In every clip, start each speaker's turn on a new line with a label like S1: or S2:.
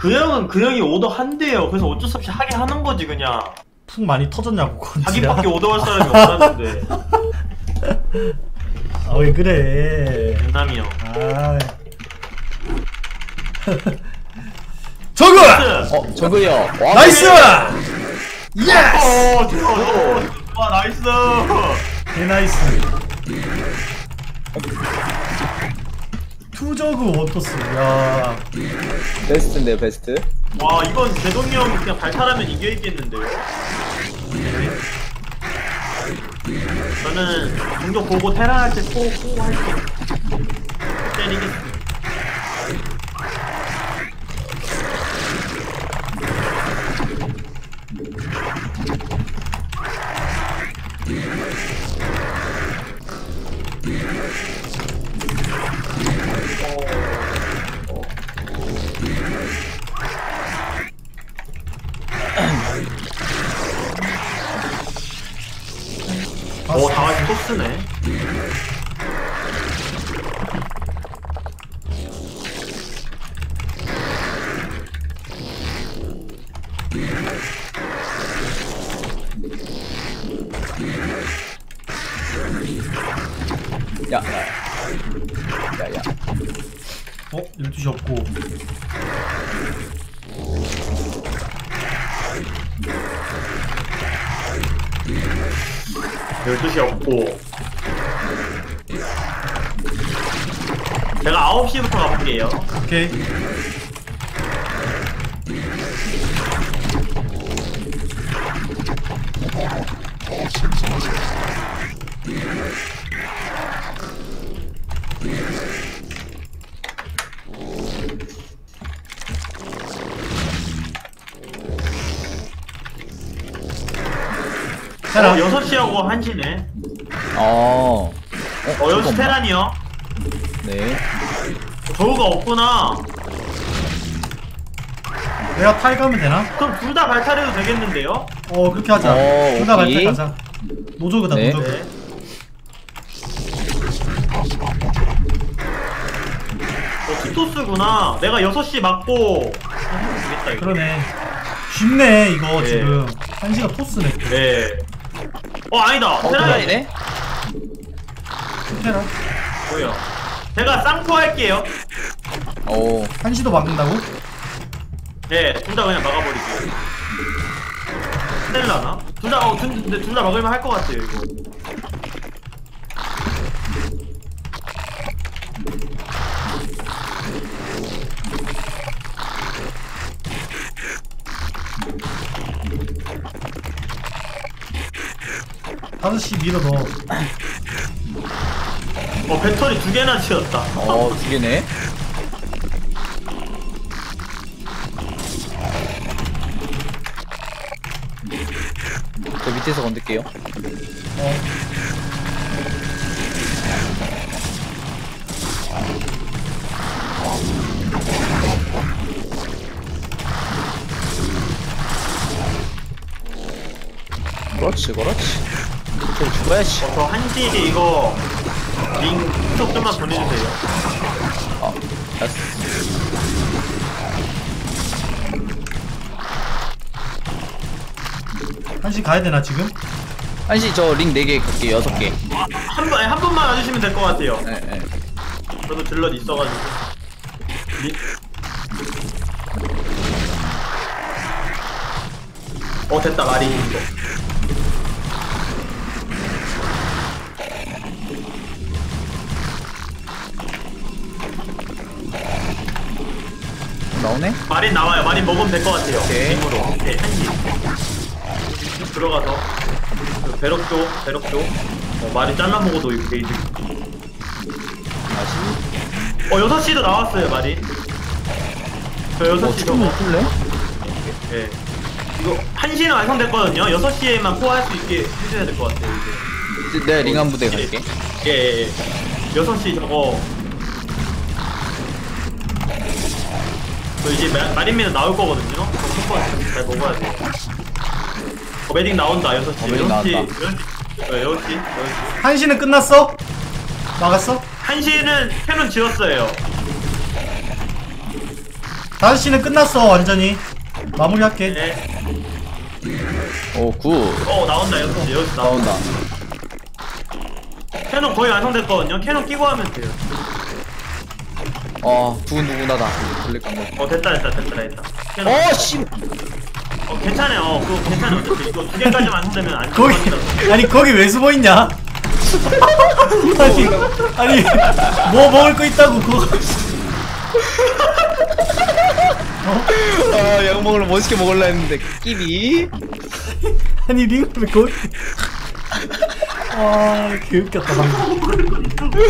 S1: 그 형은 그 형이 오더 한대요. 그래서 어쩔 수 없이 하게 하는 거지 그냥.
S2: 푹 많이 터졌냐고 건지야.
S1: 자기밖에 오더할 사람이 없다는데.
S2: 아 왜 그래?
S1: 장남이 형.
S2: 아. 저그!
S3: 저거요. 와,
S2: 나이스! 예스!
S1: 와 나이스.
S2: 개 나이스. 투저그 원토스. 야.
S3: 베스트인데요, 베스트.
S1: 와 이건 제동이 형 그냥 발탈하면 이겨있겠는데요? 저는 종종 보고 테라 할 때 꼭 할게요. 때리겠습니다. 오, 다같이 토스네.
S3: 야.
S2: 12시 없고.
S1: 열두 시 없고. 제가 9시부터 가볼게요.
S2: 오케이. 테란.
S1: 6시하고 1시네. 6시
S3: 잠깐만.
S1: 테란이요.
S3: 네.
S1: 저우가 없구나.
S2: 내가 탈 가면 되나?
S1: 그럼 둘 다 발탈해도 되겠는데요?
S2: 그렇게 하자. 둘 다
S3: 오케이.
S2: 갈때 가자. 노조그다,
S3: 네.
S2: 노조그.
S1: 네. 티토스구나. 내가 6시 맞고 되겠다 이거.
S2: 그러네. 쉽네, 이거
S1: 네.
S2: 지금. 1시가 토스네.
S1: 네. 아니다. 테란이
S3: 테란이네?
S2: 테란.
S1: 뭐야? 제가 쌍포 할게요.
S2: 1시도 막는다고?
S1: 네, 둘 다 그냥 막아버릴게요. 스텔라나? 근데 둘 다 막을만 할 것 같아요, 이거.
S2: 다섯 시 밀어 넣어.
S1: 배터리 2개나 지었다.
S3: 2개네. 저 밑에서 건들게요. 그렇지. 저 죽어야지.
S1: 저 1시 이거 링 후속 좀만 보내주세요.
S3: 됐어.
S2: 1시 가야 되나, 지금?
S3: 1시 저 링 4개 갈게요. 6개.
S1: 한 분만 와주시면 될 것 같아요.
S3: 네.
S1: 저도 딜럿 있어가지고. 됐다, 마리 이거.
S3: 나오네?
S1: 마린 나와요. 마린 먹으면 될 것 같아요.
S3: 오케이.
S1: 링으로. 네, 1시. 들어가서. 배럭 쪽. 마린 잘라 먹어도 이거 게이지.
S3: 다시.
S1: 6시도 나왔어요, 마린. 저 6시 저거.
S3: 풀래?
S1: 예. 이거 1시는 완성됐거든요. 6시에만 포화할 수 있게 해줘야 될 것 같아요, 이제.
S3: 내가 링 한 부대 갈게.
S1: 예. 6시 저거. 저 이제 마린미는 나올 거거든요. 잘 먹어야 돼. 메딕 나온다, 6시.
S3: 메딕 나왔다.
S1: 6시.
S2: 1시는 끝났어? 막았어?
S1: 1시는 캐논 지었어요.
S2: 5시는 끝났어 완전히. 마무리할게.
S1: 네.
S3: 오, 굿.
S1: 나온다. 여기서 나온다.
S3: 나온다.
S1: 캐논 거의 완성됐거든요. 캐논 끼고 하면 돼요.
S3: 두근두근하다. 돌릴까 뭐.
S1: 됐다. 캐논.
S3: 씨!
S1: 괜찮아요. 그거 괜찮아요. 어차피 이거 2개까지 완성되면 안
S2: 거기
S1: 들어가더라고요.
S2: 아니 거기 왜 숨어있냐? 아니 뭐 먹을 거 있다고 그거.
S3: 약 먹으러 멋있게 먹으려 했는데, 끼비.
S2: 아니 링을 왜 거기. 개웃겼다 방금.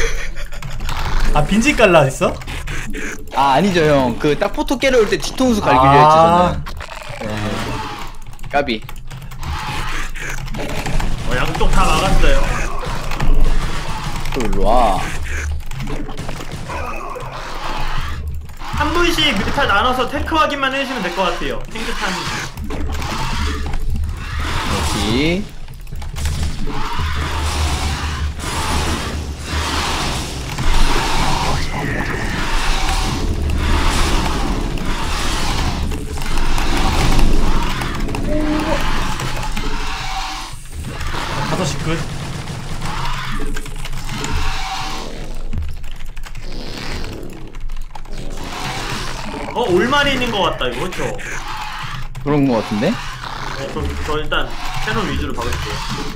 S2: 빈집 갈라 했어?
S3: 아니죠, 형. 그, 딱 포토 깨러 올 때 뒤통수 갈기려 했지, 저는. 까비.
S1: 양쪽 다 막았어요.
S3: 또 일로와.
S1: 한 분씩 뮤탈 나눠서 테크 확인만 해주시면 될 것 같아요. 탱크탄.
S3: 여기.
S2: 다섯 시 끝.
S1: 올마린인 것 같다, 이거. 그쵸?
S3: 그런 거 같은데?
S1: 그럼 저 일단 캐논 위주로 박을게요.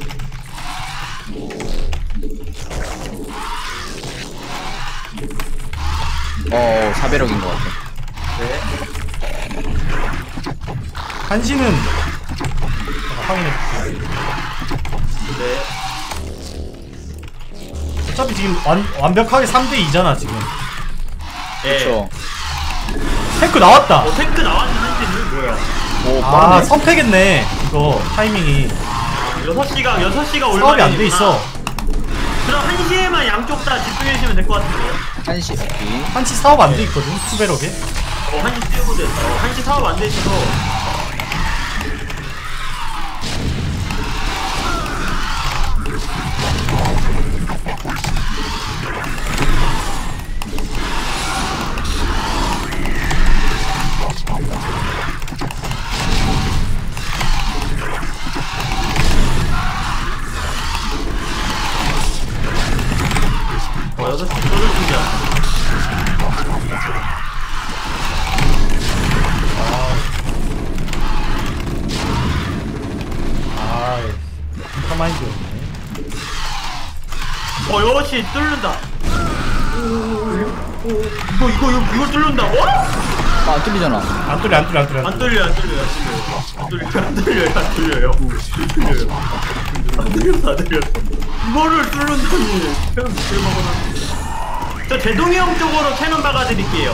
S3: 사배력인 것 같아.
S1: 네.
S2: 1시는 확인해볼게.
S1: 네.
S2: 어차피 지금 완벽하게 3대2잖아 지금.
S1: 네.
S3: 그쵸.
S2: 탱크 나왔다.
S1: 탱크 나왔는 한지는 뭐야?
S3: 오, 빠르네.
S2: 선패겠네 이거 타이밍이.
S1: 6시가
S2: 사업이
S1: 올마린이구나.
S2: 안 돼 있어.
S1: 그럼 1시에만 양쪽 다 집중해주시면 될 것 같은데요?
S3: 1시, 오케이.
S2: 1시 사업 안 돼 있거든 투베럭에.
S1: 1시 띄우고 됐어. 1시 사업 안 돼 있어서. 여섯 시 쏠을 준비야.
S2: 가만히였네.
S1: 6시 뚫는다. 이거 뚫는다.
S3: 안 뚫리잖아.
S2: 안 뚫려.
S1: 안 뚫려요. 안 뚫려요. 이거를 뚫는다니. 캐논 밑을 먹어놨네. 저 대동이 형 쪽으로 캐논 박아드릴게요.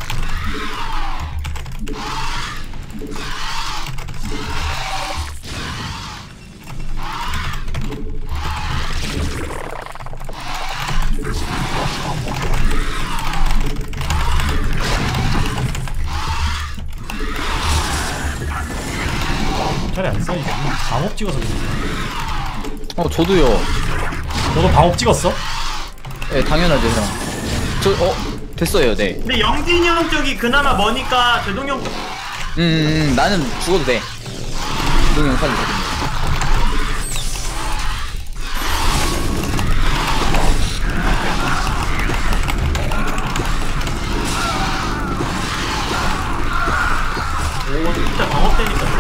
S2: 잘이 안 쌓이지. 방업 찍어서 그래.
S3: 저도요.
S2: 너도 방업 찍었어?
S3: 네, 당연하죠, 형. 됐어요, 네.
S1: 근데 영진이 형 쪽이 그나마 머니까 대동이 형 쪽.
S3: 나는 죽어도 돼. 동영 살도 되겠네.
S1: 오, 진짜 방업되니까.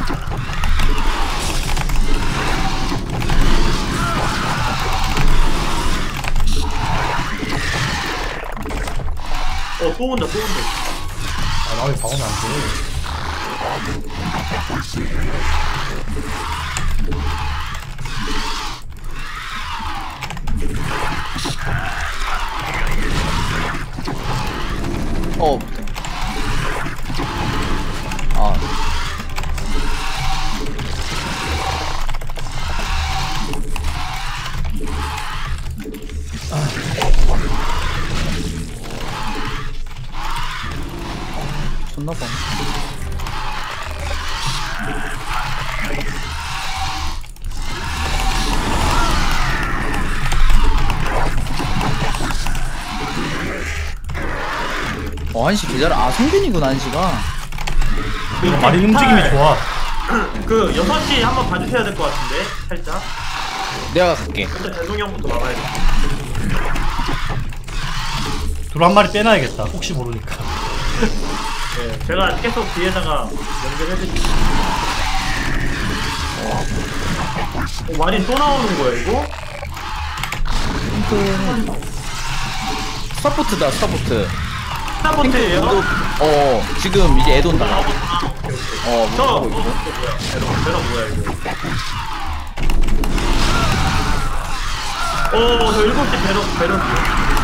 S1: 또 온다.
S2: 나 왜 방업이 안 돼?
S3: 쳤나봐. 한시 계좌라. 아, 성균이구나, 한시가.
S2: 마린 움직임이 좋아.
S1: 그 6시 한번 봐주셔야 될 것 같은데 살짝.
S3: 내가 갈게.
S1: 일단 대동이 형부터 막아야 돼.
S2: 둘 한 마리 빼놔야겠다. 혹시 모르니까.
S1: 네, 제가 계속 뒤에다가 연결해드릴게요. 마린 또 나오는 거야 이거?
S3: 스타포트다, 스타포트.
S1: 스타포트예요?
S3: 지금 이제 애돈 다. 못
S1: 저
S3: 하고 있고.
S1: 뭐야? 배럭 뭐야 이거? 저 7시 배럭이요.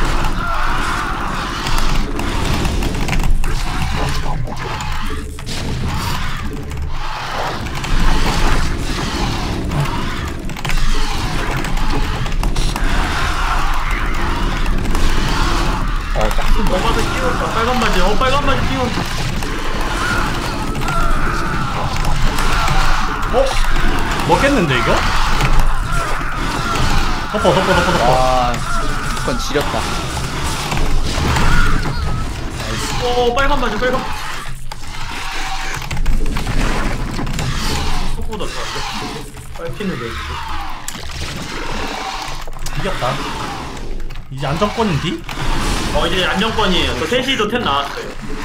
S1: 엄마도 끼웠다. 빨간 바지. 빨간 바지 끼웠다.
S2: 먹겠는데 이거? 덮어.
S3: 와, 무조건 지렸다.
S1: 빨간 바지. 속보다 더 빨피는데 지금.
S2: 이겼다. 이제 안정권인디?
S1: 이제 안정권이에요. 저 3시도 템 나왔어요.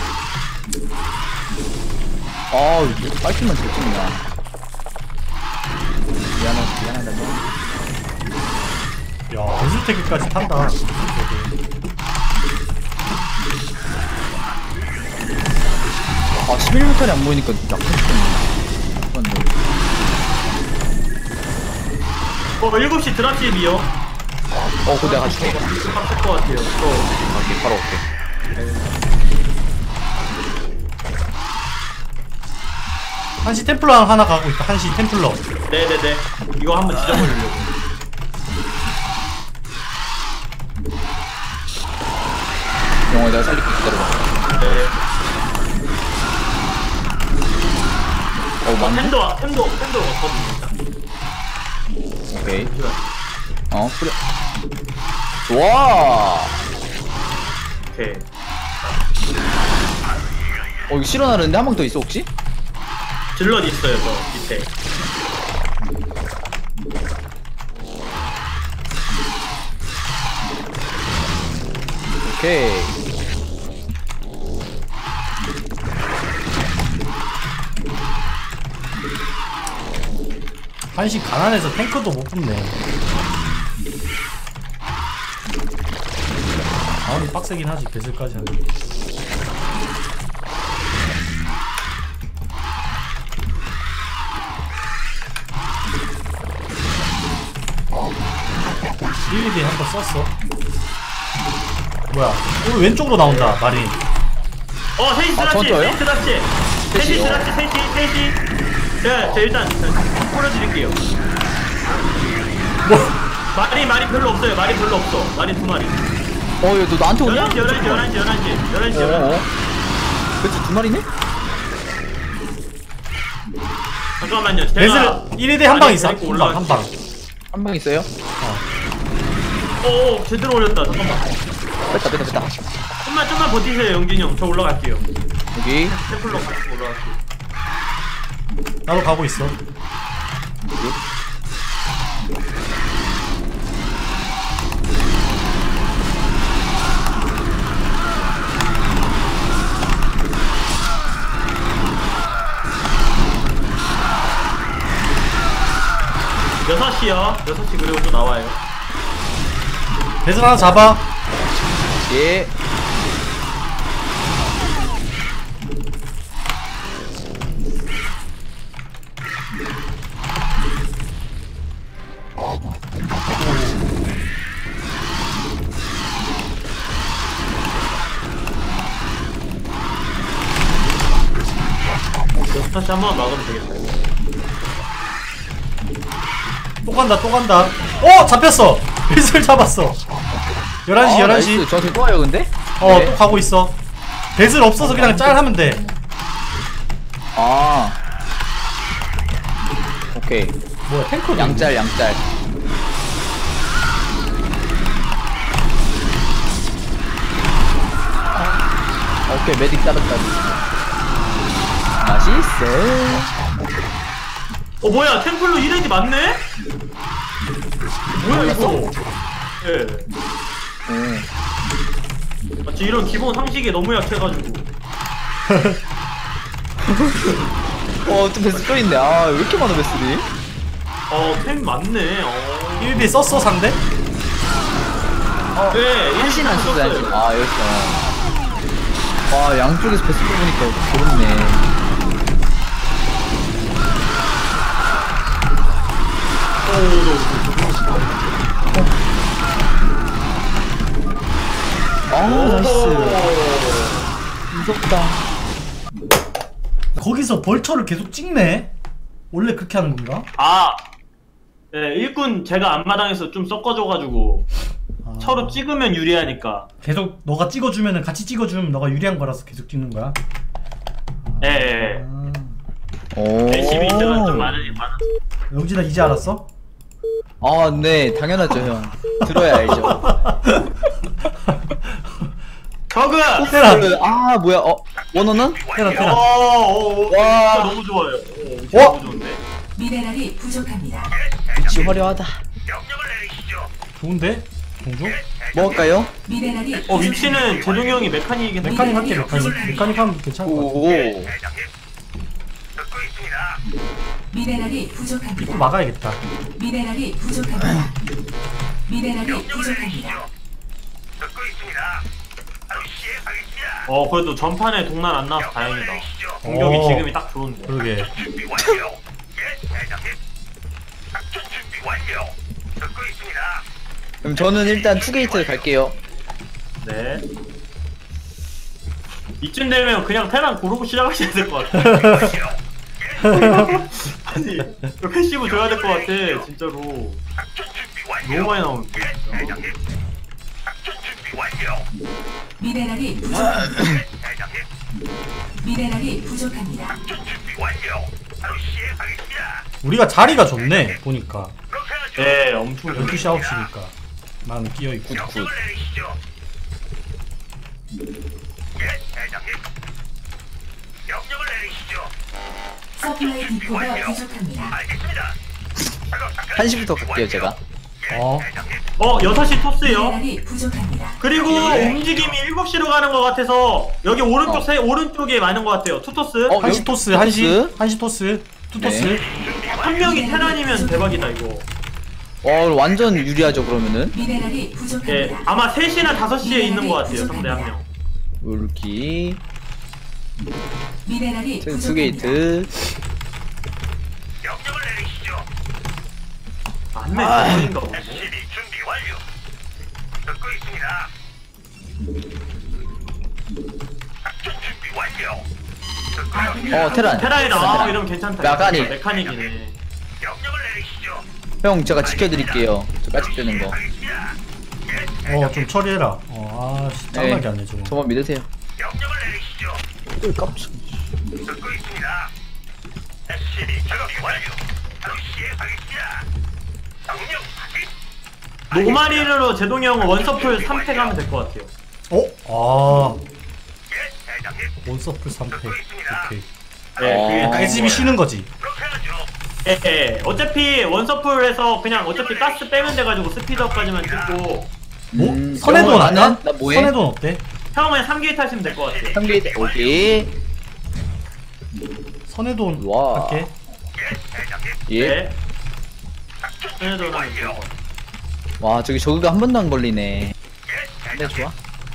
S3: 이제 빨리만 잘 찍냐. 미안하다.
S2: 야, 전술태기까지 탄다.
S3: 11m이 안 보이니까 약간 싶었네.
S1: 7시 드랍십이요.
S3: 그거 내가 가줄게.
S1: 빡셀 것 같아요.
S3: 바로 올게.
S2: 한시 템플러 하나 가고 있다. 한시 템플러.
S1: 네네네. 이거 한번 지져버리려고.
S3: 영어 내가 살릴게. 기다려봐.
S1: 네.
S3: 맞네?
S1: 템도 왔거든요.
S3: 오케이. 그래. 좋아!
S1: 오케이.
S3: 이거 실어나르는데 한 방 더 있어, 혹시?
S1: 질럿 있어요, 저 밑에.
S3: 오케이.
S2: 한시 가난해서 탱크도 못 뽑네. 아무리 빡세긴 하지. 배슬까지 하는 게. 일일이 한번 썼어. 뭐야? 왼쪽으로 나온다. 마린.
S1: 3시 드랍십!
S3: 저요?
S1: 3시 드랍십! 3시 드랍십! 3시! 제가 일단 뿌려드릴게요.
S2: 뭐?
S1: 말이 별로 없어요. 말이 별로 없어. 말이 2마리.
S3: 야, 너 나한테 오냐?
S1: 11시.
S3: 그치, 2마리네?
S1: 잠깐만요. 제가
S2: 배슬 1위대 한 방 있어. 한 방.
S3: 한 방 있어요?
S1: 제대로 올렸다. 잠깐만.
S3: 뺐다.
S1: 좀만 버티세요, 영진이 형. 저 올라갈게요.
S3: 여기.
S1: 템플러 같이 올라갈게요.
S2: 나도 가고 있어.
S3: 여기.
S1: 6시요. 6시 그리고 또 나와요.
S2: 배슬 하나 잡아.
S3: 예.
S1: 다시 한번 막으면 되겠다.
S2: 또 간다. 잡혔어. 배슬 잡았어. 11시.
S3: 나이스. 저한테 또 와요, 근데?
S2: 또 가고 있어. 배슬 없어서 그냥 짤 하면 돼.
S3: 오케이.
S2: 뭐야, 탱크
S3: 양짤. 오케이, 메딕 따랐다. 맛있어.
S1: 뭐야, 템플로 1렙이 맞네? 뭐야, 이거? 예. 마치 이런 기본 상식에 너무 약해가지고.
S3: 또 베스 또 있네. 아, 왜 이렇게 많아, 베스들이?
S1: 템 맞네.
S2: 1비 썼어 상대?
S1: 네,
S3: 한신 안 쓰지, 한신. 아, 여기 있어. 와, 양쪽에서 베스 뽑으니까 좋네. 나이스. 무섭다.
S2: 거기서 벌처를 계속 찍네? 원래 그렇게 하는 건가?
S1: 네, 일꾼 제가 앞마당에서 좀 섞어줘가지고 서로 찍으면 유리하니까.
S2: 계속 너가 찍어주면은 같이 찍어주면 너가 유리한 거라서 계속 찍는 거야?
S1: 예.
S3: 오.
S1: 열심히 있다가 좀 많아.
S2: 영진아 이제 알았어?
S3: 아, 네, 당연하죠, 형. 들어야 알죠.
S1: 저그!
S2: 테란!
S3: 아, 뭐야, 원어는?
S2: 테란
S3: 와.
S1: 너무 좋아요.
S2: 어?
S1: 너무 좋은데?
S4: 미네랄이 부족합니다.
S3: 위치 화려하다.
S2: 좋은데? 공주?
S3: 뭐 할까요?
S4: 미네랄이
S1: 위치는 제동이 형이 메카닉이긴 한데.
S2: 메카닉 할게 메카닉 하면 괜찮을 것 같아.
S3: 오.
S4: 미네랄이 부족합니다.
S2: 막아야겠다.
S4: 미네랄이 부족합니다. 미네랄이 부족합니다.
S1: 그래도 전판에 동난 안 나와서 다행이다. 공격이
S2: 어.
S1: 지금이 딱 좋은데.
S2: 그러게.
S3: 그럼 저는 일단 투게이트 갈게요.
S1: 네. 이쯤 되면 그냥 테란 고르고 시작하셔야 될 것 같아. 아니, 이거 패시브 줘야 될 것 같아, 진짜로. 너무 많이 나오는데. 진짜.
S4: 미네랄이 부족합니다. 미네랄이 부족합니다.
S2: 우리가 자리가 좋네 보니까.
S1: 네, 엄청
S2: 12시 9시니까 나는 끼어있고.
S4: 서플라이 디포가 부족합니다.
S3: 1시부터 갈게요, 제가.
S1: 6시 토스요.
S4: 미네랄이 부족합니다.
S1: 그리고 움직임이 7시로 가는 것 같아서 여기 오른쪽 오른쪽에 많은 것 같아요. 투토스.
S2: 한시 토스, 한시 토스, 투토스.
S3: 네.
S1: 한 명이 테란이면 대박이다 이거.
S3: 완전 유리하죠, 그러면은.
S4: 미네랄이
S1: 예,
S4: 부족합니다.
S1: 아마 3시나 5시에 있는 것 같아요. 상대 한 명.
S3: 이렇게.
S4: 미네랄이 부족합니다.
S3: 투게이트.
S1: 한 명인가 보네.
S3: 테란.
S1: 테란이다. 이러면 괜찮다.
S3: 메카닉.
S1: 메카닉이네.
S3: 형, 제가 지켜드릴게요. 저 까짓되는 거.
S2: 좀 처리해라. 씨, 짱나게 하네 저거.
S3: 저만 믿으세요. 깜짝.
S1: 노마리로 제동이 형은 원서풀 3팩 하면 될 것 같아요.
S2: 원서플 3팩. 오케이.
S1: 네, 그게
S2: SB 쉬는 거지.
S1: 어차피 원서풀에서 그냥 어차피 가스 빼면 돼가지고 스피드업까지만 찍고
S2: 선해돈
S3: 나는?
S2: 할까?
S3: 나 뭐해?
S2: 선해돈 어때?
S1: 형은 3게이트 하시면 될 것 같아요.
S3: 3게이트. 오케이.
S2: 선해돈
S3: 와.
S2: 할게.
S3: 예.
S1: 네. 선해돈 하면 될것 같아요.
S3: 와, 저기 저그가 한 번도 안 걸리네. 네, 좋아.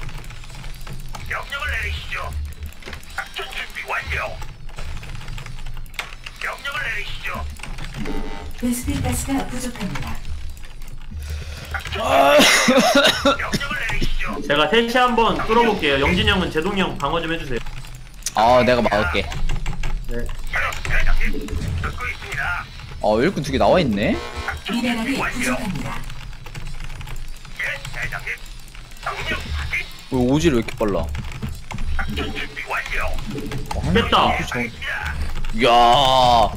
S4: 베스핀 가스가 부족합니다.
S1: 제가 3시 한번 뚫어볼게요. 영진이 형은 제동이 형 방어 좀 해주세요.
S3: 내가 막을게.
S1: 네.
S3: 일꾼 2개 나와있네?
S4: 미네랄이 부족합니다.
S3: 왜 오지를 왜 이렇게 빨라?
S1: 됐다.
S3: 이야.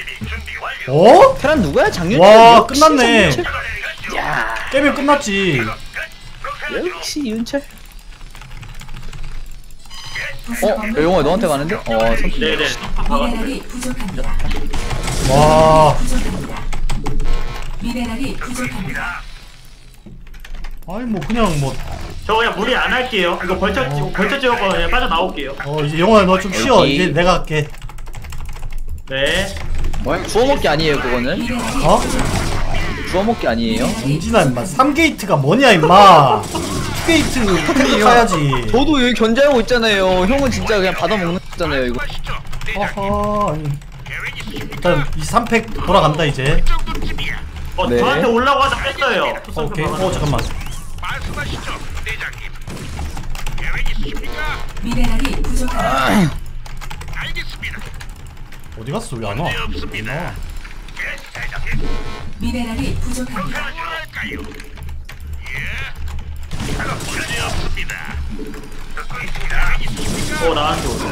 S2: 어?
S3: 테란 누구야? 작년?
S2: 와, 끝났네.
S3: 야,
S2: 깨면 끝났지.
S3: 역시 윤철. 영호야 너한테 가는데? 선수.
S1: 네네.
S4: 미네랄이 부족합니다.
S2: 와.
S4: 부족합니다. 미네랄이 부족합니다.
S2: 아니 뭐 그냥 뭐
S1: 저 그냥 무리 안 할게요. 이거 벌써 찍었거든요. 빠져 나올게요.
S2: 이제 영호야 너 좀 쉬어.
S3: 여기.
S2: 이제 내가 할게.
S1: 네.
S3: 주워먹기 아니에요 그거는?
S4: 미네랄이
S2: 어?
S3: 주워먹기 아니에요?
S2: 정진아 임마 3게이트가 뭐냐 임마 2게이트 가야지.
S3: 저도 여기 견제하고 있잖아요. 형은 진짜 그냥 받아먹는 거잖아요 이거.
S2: 어허 아니. 일단 이 3팩 돌아간다 이제.
S3: 네.
S1: 저한테 올라고 하다 뺐어요.
S2: 오케이. 잠깐만.
S5: 말씀하시죠, 대장님. 계획 있으십니까?
S4: 미네랄이 부족합니다.
S5: 알겠습니다.
S2: 어디 갔어? 왜 안 와?
S5: 문제 없습니다.
S2: 안 나와.
S5: 예, 대장님.
S4: 미네랄이 부족합니다.
S5: 뭐랄까요? 예. 작업 문제 없습니다. 듣고 있습니다. 계획 있으십니까?
S1: 나한테 오죠.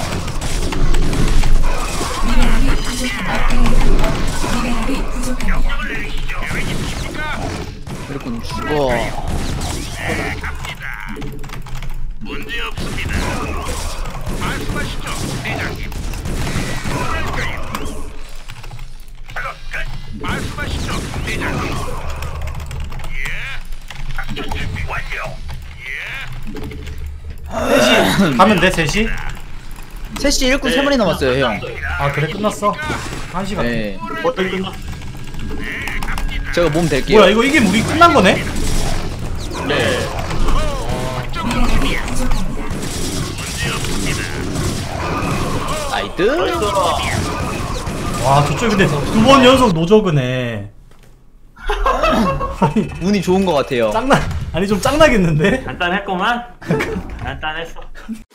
S4: 미네랄이 부족합니다. 미네랄이 부족합니다.
S5: 명령을 내리시죠. 계획 있으십니까?
S3: 이렇게 죽어.
S5: 네, 갑니다. 문제 없습니다. 말씀하시죠, 대장님. 뭐랄까요? 작업 끝. 말씀하시죠, 대장님. 예. 작전 준비 완료. 예.
S2: 3시 가면 돼 3시?
S3: 3시 일꾼 3마리 남았어요 형.
S2: 아 그래 끝났어? 1시간.
S3: 네.
S1: 어떻게 끝났어?
S3: 제가 몸 될게요.
S2: 뭐야 이게 우리 끝난 거네?
S1: 네.
S4: 미네랄이 부족합니다.
S3: 나이트.
S1: 벌써
S2: 와 저쪽 근데 2번 연속 노저그네. 아니
S3: 운이 좋은 것 같아요.
S2: 짱나 아니 좀 짱나겠는데?
S1: 간단했구만. 간단했어.